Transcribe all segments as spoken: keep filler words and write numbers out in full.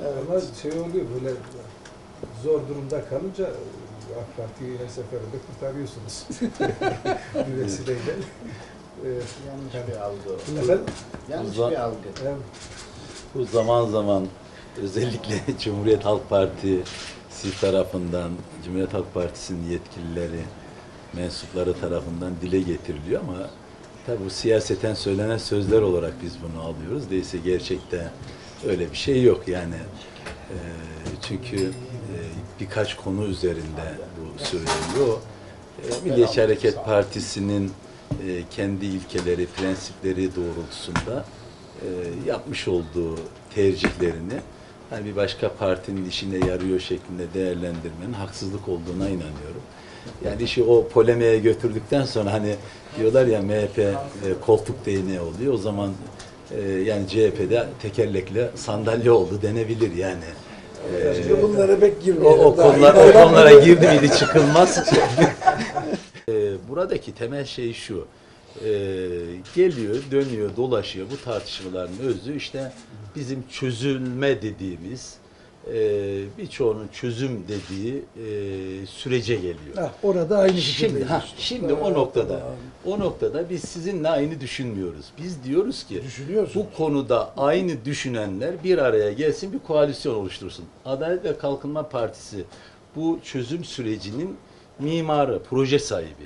Evet. Ama şey oluyor böyle zor durumda kalınca AK Parti'yi her seferinde kurtarıyorsunuz. Bir vesileyle. Evet. Yanlış bir algı. Efendim? Yanlış Uzak- bir algı. Evet. Bu zaman zaman özellikle Cumhuriyet Halk Partisi tarafından, Cumhuriyet Halk Partisi'nin yetkilileri, mensupları tarafından dile getiriliyor ama tabi bu siyaseten söylenen sözler olarak biz bunu alıyoruz. Değilse gerçekte öyle bir şey yok yani. E, çünkü e, birkaç konu üzerinde bu söyleniyor. E, Milliyetçi Hareket Partisi'nin e, kendi ilkeleri, prensipleri doğrultusunda e, yapmış olduğu tercihlerini hani bir başka partinin işine yarıyor şeklinde değerlendirmenin haksızlık olduğuna inanıyorum. Yani işi o polemiğe götürdükten sonra hani diyorlar ya M H P e, koltuk değneği oluyor. O zaman e, yani C H P'de tekerlekli sandalye oldu denebilir yani. E, Şimdi bunlara pek o, girmeyelim. o, Daha konular, iyi. o konulara girdi miydi çıkılmaz. e, buradaki temel şey şu. E, geliyor, dönüyor, dolaşıyor. Bu tartışmaların özü işte bizim çözülme dediğimiz e, birçoğunun çözüm dediği e, sürece geliyor. Heh, orada aynı Şimdi, fikirdeyiz. ha, şimdi o noktada, o noktada biz sizinle aynı düşünmüyoruz. Biz diyoruz ki Düşünüyorsun. bu konuda aynı düşünenler bir araya gelsin, bir koalisyon oluştursun. Adalet ve Kalkınma Partisi bu çözüm sürecinin mimarı, proje sahibi.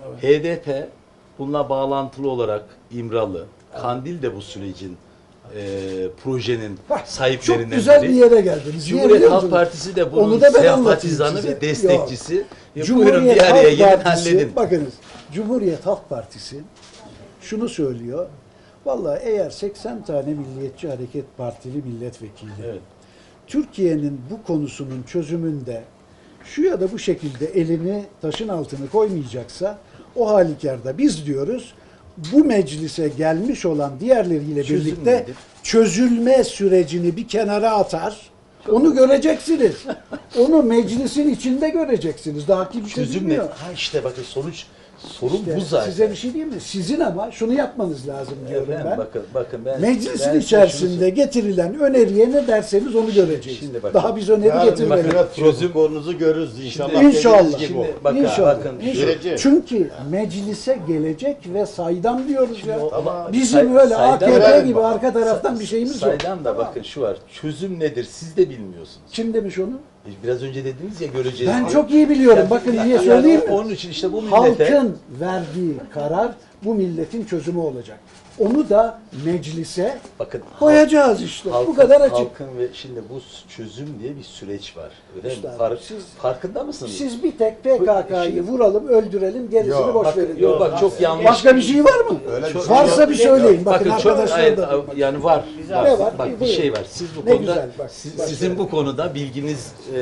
H D P bununla bağlantılı olarak İmralı, Kandil de bu sürecin e, projenin Bak, sahiplerinden çok güzel biri. bir yere geldiniz. Niye Cumhuriyet biliyor Halk musunuz? Partisi de bunun Onu da ben sempatizanı anlatayım ve size. destekçisi. Ya buyurun Cumhuriyet bir araya Halk gelin Partisi, halledin. bakınız Cumhuriyet Halk Partisi şunu söylüyor. Vallahi eğer seksen tane Milliyetçi Hareket Partili milletvekili Evet. Türkiye'nin bu konusunun çözümünde şu ya da bu şekilde elini taşın altına koymayacaksa o halükarda biz diyoruz bu meclise gelmiş olan diğerleriyle Çözüm birlikte nedir? çözülme sürecini bir kenara atar. Onu göreceksiniz. Onu meclisin içinde göreceksiniz. Daha kimse Çözüm ne? bilmiyor. Ha işte bakın sonuç sorun İşte bu zaten. size bir şey diyeyim mi? Sizin ama şunu yapmanız lazım diyorum Efendim, ben. bakın bakın ben Meclisin ben size içerisinde şunu getirilen öneriye ne derseniz onu göreceğiz. Şimdi bakın. Daha biz öneri Yarın getirmedik. bakın, Çözüm konunuzu görürüz inşallah. Şimdi- İnşallah. dediğiniz gibi Şimdi o. bakın, İnşallah. bakın İnşallah. Süreci. Çünkü meclise gelecek ve saydam diyoruz ya. o- ama Bizim say- öyle saydam- A K P Evet, gibi bak. arka taraftan bir şeyimiz yok. Saydam da bakın şu var. Çözüm nedir? Siz de bilmiyorsunuz. Kim demiş onu? Biraz önce dediniz ya göreceğiz. Ben diye. çok iyi biliyorum. Yani- Bakın yani niye söyleyeyim mi? Onun için işte bu millete Halkın verdiği karar bu milletin çözümü olacak. Onu da meclise bakın koyacağız işte. Bu halkın- kadar açık. Halkın ve şimdi bu çözüm diye bir süreç var. Öyle mi? Üstadım, Fark- siz- farkında mısınız? Siz bir tek P K K'yı Şimdi- vuralım, öldürelim, gerisini Yok, boş Bakın, verin. yok bak çok yanlış. Başka bir şey var mı? Öyle bir şey Varsa yok. bir söyleyin. Bakın, Bakın çok arkadaşlar hayır, da. yani var. var. Ne var? Bak bir Buyurun. şey var. Siz bu Ne konuda güzel, bak, siz- bak. sizin bu konuda bilginiz e,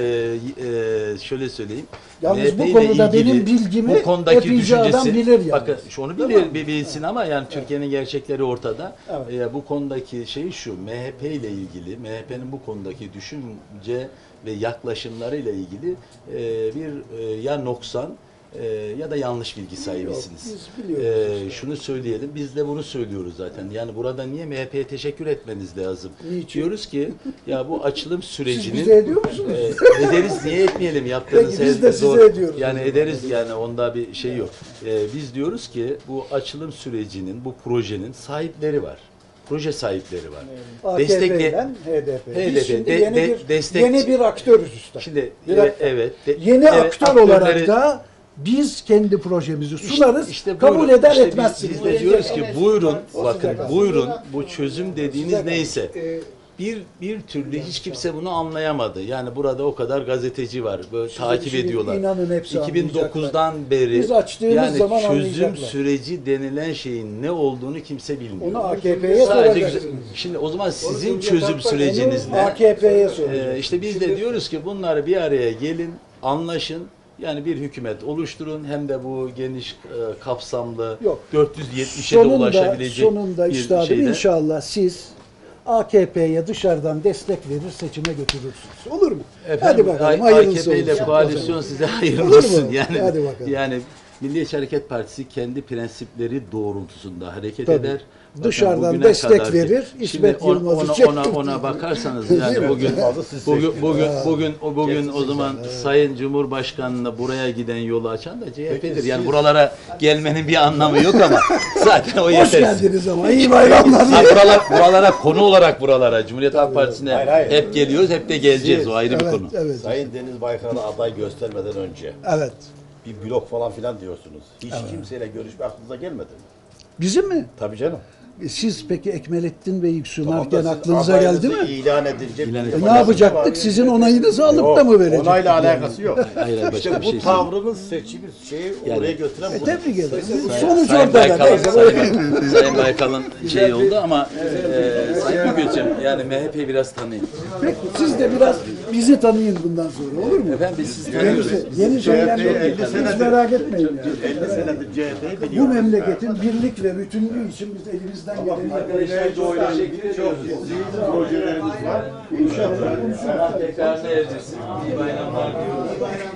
e, şöyle söyleyeyim. Yalnız M H P bu ile konuda ilgili benim bilgimi bu konudaki epeyce adam düşüncesi bilir yalnız. bakın şunu bilir bir bilsin ama yani Türkiye'nin gerçekleri ortada. Evet. E, bu konudaki şey şu M H P ile ilgili M H P'nin bu konudaki düşünce ve yaklaşımlarıyla ilgili e, bir e, ya noksan e, ya da yanlış bilgi sahibisiniz. biz biliyoruz E, şunu söyleyelim. Biz de bunu söylüyoruz zaten. Yani burada niye M H P'ye teşekkür etmeniz lazım? Niçin? Diyoruz ki ya bu açılım sürecinin bize ediyor musunuz? e, ederiz niye etmeyelim yaptığınız Peki, biz her de size zor- ediyoruz Yani o zaman. ederiz yani onda bir şey yok. E, biz diyoruz ki bu açılım sürecinin bu projenin sahipleri var. Proje sahipleri var. A K Destekle- P'den H D P. H D P, Biz şimdi de- yeni, de- bir, destek- yeni bir aktörüz usta. Şimdi Bir evet, dakika. evet de- Yeni evet, aktör olarak aktörleri- da biz kendi projemizi sunarız, İşte kabul buyurun. eder İşte biz- etmezsiniz. Biz de diyoruz ki buyurun O bakın sıcak. buyurun bu çözüm dediğiniz Sıcak. neyse. Ee, Bir bir türlü hiç kimse bunu anlayamadı. Yani burada o kadar gazeteci var. Böyle takip şimdi ediyorlar. inanın hepsi iki bin dokuzdan beri Biz açtığımız yani zaman çözüm anlayacaklar. süreci denilen şeyin ne olduğunu kimse bilmiyor. Onu A K P'ye Sadece soracaksınız. güzel- Şimdi o zaman sizin Cumhuriyet çözüm Halk Partisi- süreciniz Onu ne? A K P'ye Ee, soracağız. işte biz de diyoruz ki bunları bir araya gelin, anlaşın. Yani bir hükümet oluşturun hem de bu geniş e, kapsamlı Yok. dört yüz yetmişe de Sonunda, ulaşabilecek sonunda bir üstadım şeyde. inşallah siz A K P'ye dışarıdan destek verir seçime götürürsünüz. Olur mu? Efendim, Hadi bakalım A- hayırlısı A K P ile olsun. koalisyon size hayırlı Olur mu? olsun. Yani Hadi bakalım. yani Milliyetçi Hareket Partisi kendi prensipleri doğrultusunda hareket Tabii. eder. Dışarıdan Bugüne destek kadar ki- verir, Şimdi İsmet on- Yılmaz'ı ona, çektim ona, diye. ona bakarsanız Değil yani mi? bugün Yılmaz'ı siz bugün seçtiniz. bugün bugün o bugün Kesin o zaman seçen, evet. Sayın Cumhurbaşkanı'na buraya giden yolu açan da C H P'dir. Peki Yani siz- buralara gelmenin bir anlamı yok ama zaten o Hoş yetersiz. geldiniz ama iyi bayramlar. Ha, buralar, buralara konu olarak buralara Cumhuriyet Halk Partisi'ne Hayır, hayır. hep geliyoruz, hep de geleceğiz. Siz- O ayrı bir Evet, konu. evet, Sayın Deniz Baykal'a aday göstermeden önce evet. bir blok falan filan diyorsunuz. Hiç kimseyle görüşme aklınıza gelmedi mi? Bizim mi? Tabii canım. Siz peki Ekmelettin Bey'i Tamam sunarken da siz aklınıza geldi adayınızı mi? İlan edilecek. İlan bir edildi. E, yapacak ne yapacaktık? var. Sizin onayınızı alıp Yok, da mı verecektik? onayla yani? alakası yok. Hayır, başka İşte bir bu şey tavrınız seçimi şeyi Yani- oraya götüren E, bu. tebrik ederim. Sayın- Sonuç Sayın ortada. Baykal'ın, Neyse, Sayın, Sayın Baykal'ın şey oldu ama e, Sayın Mügül'cüm yani M H P'yi biraz tanıyın. Peki siz de biraz bizi tanıyın bundan sonra olur mu? Efendim biz sizi Yeni, tanıyoruz. yeni şeyler yok. elli Hiç senedir- merak etmeyin yani. elli senedir C H P'yi Bu biliyoruz. memleketin birlik ve bütünlüğü için biz elimizden geleni yapacağız. Çok projelerimiz var. İnşallah. Tekrar ne edeceğiz? İyi bayramlar diliyoruz.